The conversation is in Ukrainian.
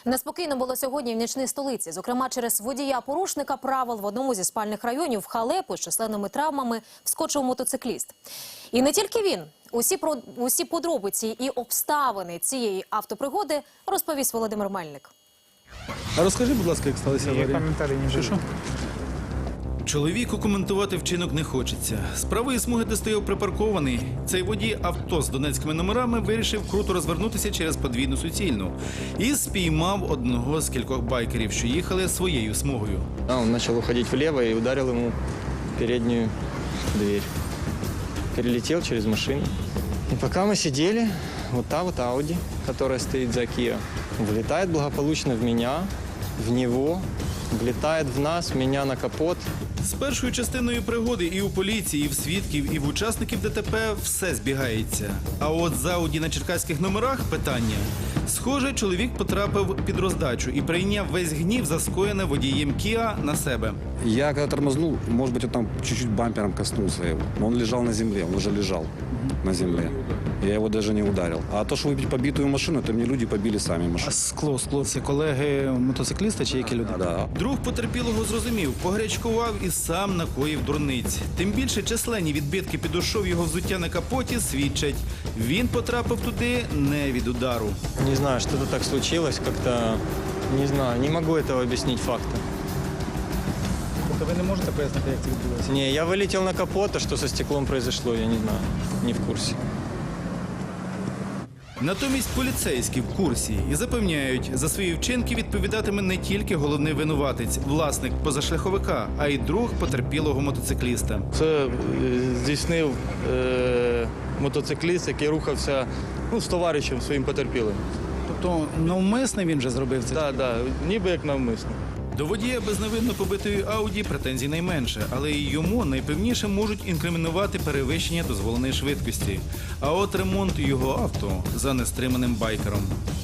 Неспокійно було сьогодні в нічній столиці. Зокрема, через водія-порушника правил в одному зі спальних районів в халепу з численними травмами вскочив мотоцикліст. І не тільки він. Усі подробиці і обставини цієї автопригоди розповість Володимир Мельник. А розкажи, будь ласка, як сталося аварія? Коментарі не Що? Чоловіку коментувати вчинок не хочеться. З правої смуги, де стояв припаркований, цей водій авто з донецькими номерами вирішив круто розвернутися через подвійну суцільну і спіймав одного з кількох байкерів, що їхали своєю смугою. Он начал уходить влево и ударил ему в переднюю дверь. Перелетел через машину. И пока мы сидели, вот та вот Ауди, которая стоит за Kia, влетает благополучно в меня, в него, влетает в нас, меня на капот. З першою частиною пригоди і у поліції, і в свідків, і в учасників ДТП все збігається. А от з Ауді на черкаських номерах питання. Схоже, чоловік потрапив під роздачу і прийняв весь гнів за скоєне водієм Кіа на себе. Я когда тормознул, может быть, он там чуть-чуть бампером коснулся его. Но он лежал на земле, он уже лежал на земле. Я его даже не ударил. А то, что выбить побитую машину, это мне люди побили сами А машину. скло, це колеги мотоцикліста чи які люди? Да. Друг потерпілого зрозумів, погрячкував і сам накоїв дурниць. Тим більше численні відбитки підошов його взуття на капоті свідчать. Він потрапив туди не від удару. Не знаю, что-то так случилось, как-то, не знаю, не могу этого объяснить фактом. Тобто ви не можете пояснити, як це відбулося? Не, я вылетел на капот, а что со стеклом произошло, я не знаю, не в курсе. Натомість поліцейські в курсі і запевняють, за свої вчинки відповідатиме не тільки головний винуватець, власник позашляховика, а й друг потерпілого мотоцикліста. Це здійснив мотоцикліст, який рухався з товаришем своїм потерпілим. Тобто навмисне він же зробив це? Так, ніби як навмисно. До водія безневинно побитої Ауді претензій найменше, але і йому найпевніше можуть інкримінувати перевищення дозволеної швидкості. А от ремонт його авто за нестриманим байкером.